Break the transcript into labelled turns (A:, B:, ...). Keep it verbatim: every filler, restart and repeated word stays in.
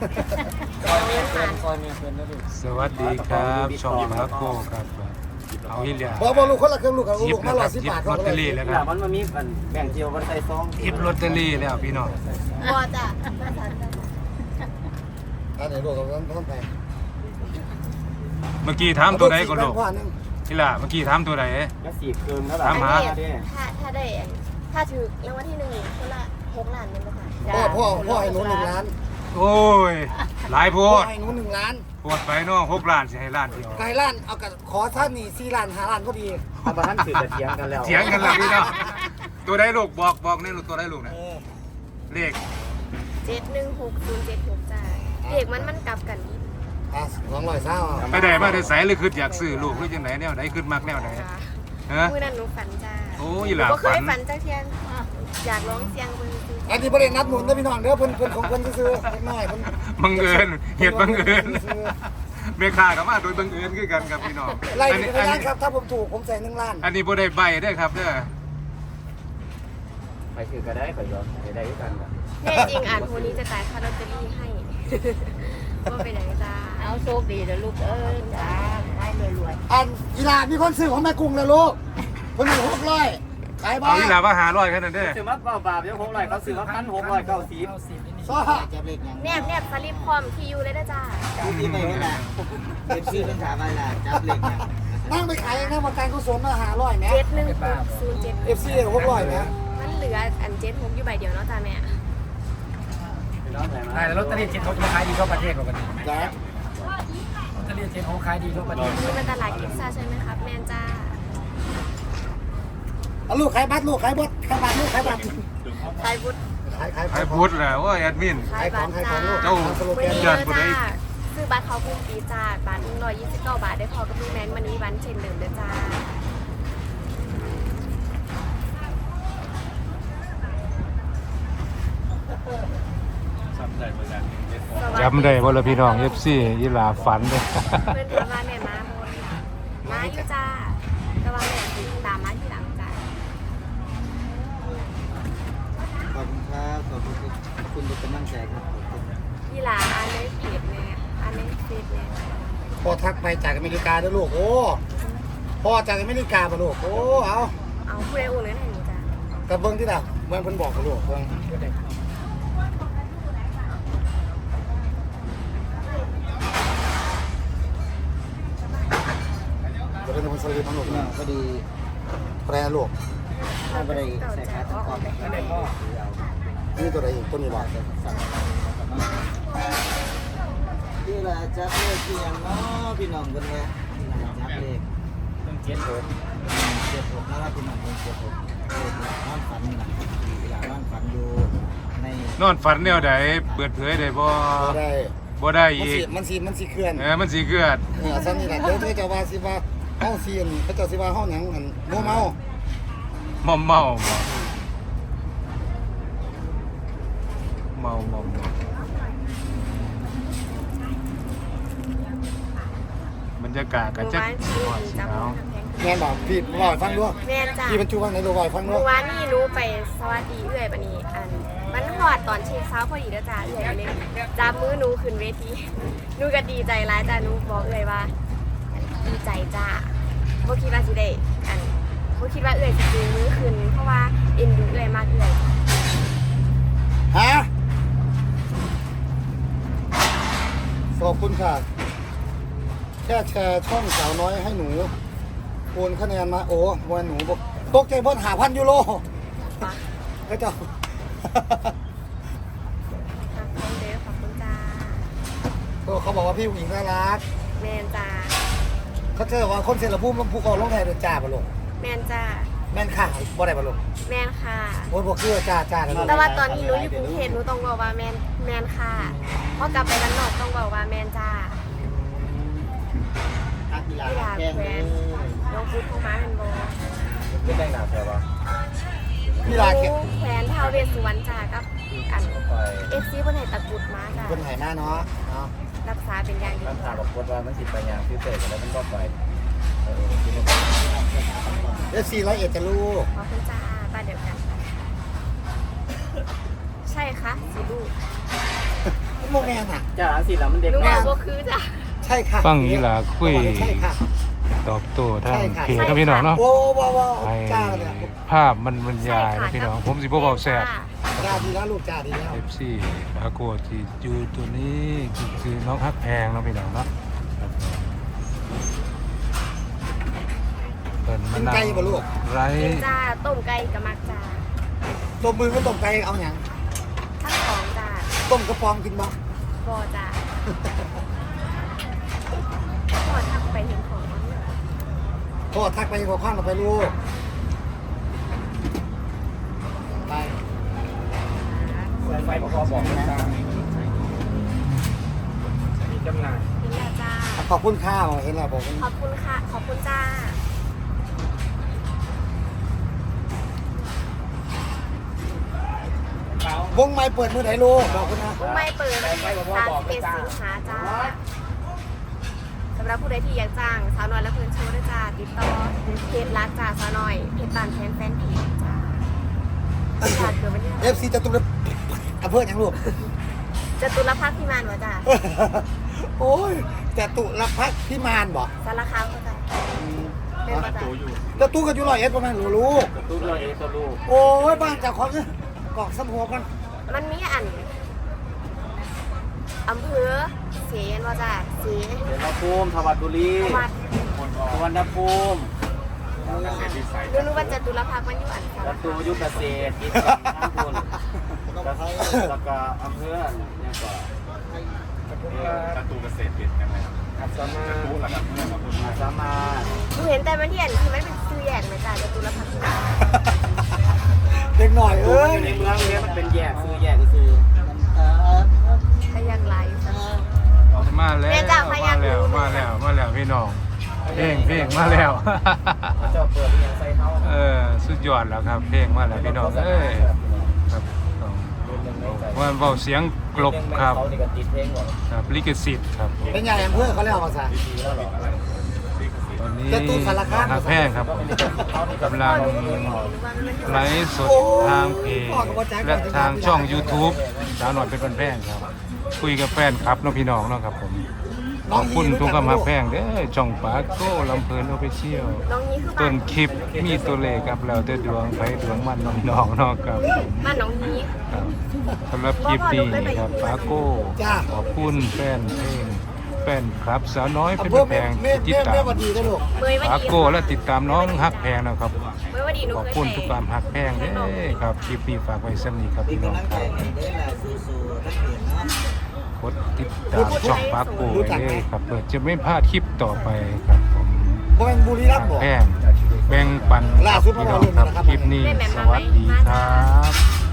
A: ซอยเมียเพื่อนซอยเมียเพื่อนนะลูก
B: สวัสดีครับช่องมาโก้ครับเอาอีเหลีย
C: บอกบอกลูกคนละเครื่องลูกกับ
B: หยิ
C: ลู
B: บ
C: ก
B: นะ
C: มา
B: ค
C: ร้อ
B: รั
C: ย
B: บ
C: สิบ
B: หยิบบ
C: าท
B: ลอตเตอรี่แล้วครับ
A: มันมามีแบ่งเจียวมันใส่ซอง
B: หยิบลอตเตอรี่แล้วพี่น้อง
D: บอจ้ะภาษาจ้ะ
C: อันไหนลูกกับต้นต้นไป
B: เมื่อกี้ถามตัวใดก็ลูก
C: ว่านึง
B: อีหล่ะเมื่อกี้ถามตัวใด
A: แล้วสี่คืนแล้วหรอ
B: ถามหา
D: ถ้าถ้าได้ถ้าถือรางวัลที่หนึ่งคนละหกล้านเป็นภาษา
C: พ่อพ่อพ่อให้หนูหนึ่งล้าน
B: โอ้ยหลายโพ
C: พ่อ
B: ด
C: ให้หนูหนึ่งล้าน
B: โพดไปเนาะหกล้านสิให้ล้านเดียว
C: ไก่ล้านเอากับขอท่านนี่สี่ล้านห้าล้านก็ดี
A: ทำมาท่านสื่อจะเถียงกันแล้ว
B: เถียงกันแล้วพี่น้องตัวใดลูกบอกบอกแน่ลูกตัวใดลูกนะ
C: เออ
B: เลข
D: เจ็ดหนึ่งหกศูนย์เจ็ดหกจ้าเด็กมันมันกลับกันอีก
C: อ่ะสองร้อยเศร้า
B: ไปได้มาได้ใสหรือคืออยากซื้อลูกหรือจังไหนแนวไหนขึ้นมักแนวไหน
D: จ้า
B: ฮะ
D: มื่อนั้นหนูฝันจ้า
B: โอ้ยหลา
D: ก็เค
B: ฝั
D: ย
B: น
D: ฝันจ้าเทียนอยากร้องเสียงบนซื้อ
C: อันนี้ประเด็นนัดหนุนนะพี่น้องเด้อเพิ่นเพิ่นของเพิ่นซื้อเล็กน้อยเพิ่น
B: บังเอิญเหตุบังเอิญเมฆากับมาโดยบังเอิญคือกันครับพี่น้อง
C: ไล่
B: อัน
C: ไป
B: นี้
C: พ
B: อัน
C: ยาน
B: นี้
C: ครับถ้าผมถูกผมใส่หนึ่งล้าน
B: อันนี้บ่ได้ใบได้อครับเด้อ
A: ไปถือก็ได้ไปยอมไปได้ด้วยกัน
D: แน่จริงอ่านโพนี้จะจ่ายค่าลอตเตอรี่ให้ว่าเป็นอย่างจ้า
E: เอาโชคดีเดี๋ยวลูกเอ้ยจ้าให้รวย
C: อันอีหลามีคนซื้อของแม่กุ้งแล้วลูกคนหนึ่งหกร้อยขายบ้า
B: เอาอีหลามาหาร้อยแค่นั้นเด้อ
A: ถือว่าเบาบาปยังหกร้อยเขาซื้อเขาพันหกร้อยเก้าสิบ
C: ซ้อ
D: แนบแนบสลิปพร้อมที่อยู่เลยนะจ้า
A: ที่ไม่เห็นละเป็นชื่อเป็นถามอะไรล่ะจับเหล็กนะ
C: นั่งไปขายเองนะมาการกุศลมาหาร้อยแม่
D: เจ็ดหนึ่งหกศูนย์เจ็ด
C: เอฟซีหกร้อยแม่
D: มันเหลืออันเจ็ดหกอยู่ใบเดียวเนาะจ้าแม่
F: ใช่แล้วลอตเตอรี่เจ็ดหกขายดีทั่วประเทศกว่ากัน
C: จ้า
F: ลอตเตอรี่เจ็ดหกขายดีทั่วประเทศ
D: นี่มันตลาดกิฟซ่าใช่ไหมครับแมนจ้า
C: เอาลูกขายบัตรลูกขายบัตรขายบัตรลูกขายบัตร
D: ไทยบุตร
C: ขายขาย
B: ไอ้พุทธแหละว่าแอดมิน
D: ขายบัตรจ้า
B: เจ้า
D: วันนี้
B: ญา
D: เล
B: ติ
D: ย
B: ผู้ใด
D: จ้าซื้อบัตรเขาคุ้มปีจ้าบัตรหนึ่งร้อยยี่สิบเก้าบาทได้พอกับพี่แมนมันนี้วันเช่นเดิมเลยจ้า
B: จำได้ว่าละพี่น้อง เอฟ ซี อีหลาฝันเด้อ
D: เพื่อนเพื่อนว่าแม่มาโมนมาอยู่จ้าแต่ว่าแม่คือตามมาที่หลังจ้า
A: ขอบคุณครับขอบคุณคุณเป็นกำลังใจครับ
D: ที่หลาอันในเพจแม่อันในเฟซแม่
C: พ่อทักไปจากอเมริกาด้วยลูกโอ้พ่อจากอเมริกาป่ะลูกโอ้เอา
D: เอาผู้ใดโอนเงินให้หนูจ้า
C: แต่เบิ้งที่น่ะเมื่อเพิ่นบอกกับลูกเบิ้งจะเป็นคนสลีพังลูกนะ
A: พอดี
C: แปรลูก
A: ถ้าไปได้ใส่ขาตะกอนไม่ได้พ่อ
C: นี่ตัวไหนอีกตัวนี้บ่
A: ที่ละจับเลขที่ยังเนาะพี่น้องกันเนี่ยจับเลขต้องเจ็ดหกเจ็ดหกนะครับพี่น้องต้องเจ็ดหกนอนฝันนะเวลานอนฝันอยู่ใน
B: นอนฝันแนวใดเปิดเผยได้บ่
C: บ่ได้
B: บ่ได้
C: มัน
B: อี
C: สิ
B: ก
C: มันสิมันสิเคลื่อน
B: เออมันสิเกิด
C: เออซั่นนี่ล่ะเดี๋ยวเจ้าว่าสิว่าเฮาสิอันเขาเจ้าสิว่าเฮาหยังอันโมเมาม
B: อมเมาบ่เมาเมาเมาบรรยากาศก็จะ
D: เมื่อวานที่หนู
B: ห
D: จับ
B: นาว
D: กำแพง
C: แม่นบ่พี่บ่ให้ฟังด้วย
D: แม่นจ้า
C: พี่บรรจุว่าไหนดูบ่ให้ฟังด้ว
D: เมื่
C: ย
D: อวานนี่หนูไปสวัสดีเอื่อยปะนี่อันมันหอดตอนเช็คเช้าพอดีเด้อจ้าเอื่อยก็เลยจับมือหนูขึ้นเวทีหนูก็ดีใจร้ายจ้าหนูบอกเอื่อยว่าดีใจจ้าเพราะคิดว่าสิได้อันเพราะคิดว่าเอื่อยสิจูงมือขึ้นเพราะว่าเอ็นดูเอื่อยมากเอื่อย
C: ฮะขอบคุณค่ะแค่แชร์ช่องสาวน้อยให้หนูโอนคะแนนมาโอ้วันหนูบอกตกใจเพิ่นหาพันยูโร
D: ปะ
C: ก็เจ้า
D: ขอบคุณเด้อขอบคุณจ้า
C: เขาบอกว่าพี่ผู้หญิงน่ารัก
D: แมนจ้า
C: เขาเจอว่าคนเซนละพุ่มภูเขาลงไทยเดินจ่าปะลูก
D: แมนจ้า
C: แม่นข่าวบ่ได้ปะลูก
D: แมนค่ะ
C: โอ้ยบอกคือจ่าจ่ากันลูก
D: แต่ว่าตอนนี้หนูอยู่กรุงเทพหนูต้องบอกว่าแมนแมนค่ะพอกลับไปบ้านนอกต้องบอกว่าแมนจ้า
A: นักกีฬา
D: ที่ลา
A: แข่ง
D: แค
A: เล
D: วย นน้องพุทธเข้ามาเป็นโบ
A: ไม่ได้หนาแค่ว่า
C: พี่ลาเก็บ
D: แควนท้าวเวสสุวรรณจ้ากับอัน
A: ไป
D: เอฟซีคนไหนตะกรุดมาจ้า
C: คนไหนมาเนาะเนาะ
D: รักษาเป็นอย่างดี
A: มันถามบอกว่ามันสิไปยางฟิวเตอร์แล้วมันก็ไปเออที่นี่
C: เอฟซีร้อยเอ็ดจะลูก
D: ขอบคุณจ้าบ้านเดียวกัน ใช่ค่ะสีลูก
C: โมแมนอ่ะ
A: จ้าสิแล้วมันเด็ก
D: หนู
A: แม่
D: บอกว่าคือจ้ะ
C: ใช่ค่ะ
B: ฟังนี้ล่ะคุย
C: ใช่ค่ะ
B: ตอบโต้ทาง
C: ใช่ค่ะ
B: เพจนะพี่น้องเนาะ
C: โอ้ว้าวว้าว
B: ให้
C: จ้าเลยอะ
B: ภาพมันบรรยายนะพี่น้องผมสิบ่เบาแซ่บ
C: จ้าดีแล้วลูกจ้าดีแล้ว
B: เอฟซีอาโกที่อยู่ตัวนี้คือน้องฮักแพงเนาะพี่น้องเนาะเปิดมานั่งไร
D: กินจ้าต้มไก่กับมักจ้า
C: ต้มมือก็ต้มไก่เอาอย่าง
D: ทั้งสองจ้า
C: ต้มกระปองกินบ้าง
D: บอจ้าขอทักไปเห็นของ
C: โทษทักไปขอข้างเราไปลูกไป
F: ไฟบอกบอกนะมีจำหน่าย
D: เห็นแล้วจ้า
C: ขอบคุณข้าวเห็นแล้วบอก
D: ขอบคุณค่ะ ขอบคุณจ้า
C: วงไม้เปิดมือไหนลูกบอกคุณนะ
D: ไม่เปิดวันที่สามสิบเอ็ดสิงหาจ้าสำหรับผู้ใดที่อยากจ้างสาวน้อยและเพื่อนโชว์ด้วยจ้าติดต่อเพจรักจ้าสาวน้อยเพจบานแฟนแฟนเพจจ้าจ้าเกิดวันที่
C: เอฟซีจะตุ้มอำเภออย่างลูก
D: จตุรพักษ์พิมานวะจ้า
C: โอ้ยแต่ตุลพักพิมานบอก
D: สารคามก็จ้าเป็นประจ้า
C: แต่ตู้ก็อยู่ร้อยเอ็ดประมาณหนูลูก
A: ตู้เราเองตัวลูก
C: โอ้ยบ้านเจากของเนี่ยกอกสมหัวกัน
D: มันมีอันอำเภอเสียนว่าจ้าเสีย
A: เดี๋ยวเราภูมิทวัดบุรี
D: วัด
A: สุวรรณภูมิ
D: เรื่องรู้ว่าจตุรพักษ์มันอยู่อันสาร
A: ประ
D: คา
A: ตู
D: ม
A: ยุคเกษตรอีกทั้งคนแล้วก็อำเภอเนี่ยก็
B: ประตูเกษตรเปลี่ยนยังไง
A: อัศมา
B: รู้หลักเพื่อนครับ
A: อัศมา
D: หนูเห็นแต่มันที่อันที่มันเป็นซื้อแยกไหมจ้าจตุรพักษ์พิมาน
C: เด็กหน่อย
A: ตัว
C: เอ้
A: มัน
C: ย
A: อยู่ในเมืองเนี่ยมันเป็นแยกซื้อแยกก็คือ
D: พยังไร
B: มาแล้ว
D: แม่จ้ะพ
B: มา
D: ยัญชนะ
B: แล้วมาแล้วมาแล้วพี่น้องเพลงเพลงมาแล้ว
A: เจ้าเปิดยังใส่เขา
B: เออสุดยอดแล้วครับเพลงมาแล้วพี่น้องเอ้ยครับต้องว่าเบาเสียงกลบครับ
A: เขานี่ก็ติดเพลงหมด
B: ครับลิขสิทธิ์ครับผม
C: เป็นใหญ่อำเภอเขาเรียกว่าภาษา
B: ตอนนี้
C: แต่ตู้สารคาม
B: ฮักแพงครับผมกำลังไลฟ์สดทางเพจและทางช่อง YouTube สาวหน่อยเป็นคนแพงครับ คุยกับแฟนครับน้องพี่น้องเนาะครับผมขอบคุณทุกคำฮักแพงเด้อช่องปาโก้ลำเพลินโอเปเชียล
D: น้องนี้คือ
B: ต้
D: บ้าน น
B: คลิปมีตัวเลขครับแล้วแต่ดวงไปดวงมันน้องๆเนาะครับผม
D: บ้านน้องนี้
B: ครับสำหรับคลิปนี้ครับปาโก้
C: จ้า
B: ขอบคุณแฟนเพลงแฟนครับสาวน้อยเป็น
C: อำเภอ
B: แพ
C: แม่
B: ง
C: แม่
B: ที่ติด
C: แม่
B: ตา
C: แม่
B: ม
C: วันดีนะลูก
D: เมยวัน
B: ปา
D: ดี
B: โก้และติดตามน้องฮักแพงนะครับ
D: เมยวันดีหนู
B: ขอบ
D: เคย
B: คุณ
D: แต่
B: ทุกความฮักแพงเด้อครับคลิปนี้ฝากไว้สำนีครับ
A: เป็น
B: พี่น้อง
A: กำลัง
B: ค
A: ใจ
B: รับ
A: ให้ได้แหละสู้ๆทั้งเพียงเนาะ
B: กดติดตามช่องปาโก้ไว้เลยครับเพื่อจะไม่พลาดคลิปต่อไปครับผม
C: บ่เป็นบุรีรัมย์บอก
B: แพงแบ่งปัน
C: ล่าสุด
B: พี่น้อง
C: เมื่อวาน
B: ครับ
C: นะครับ
B: คลิปนี้สวัสดีครับ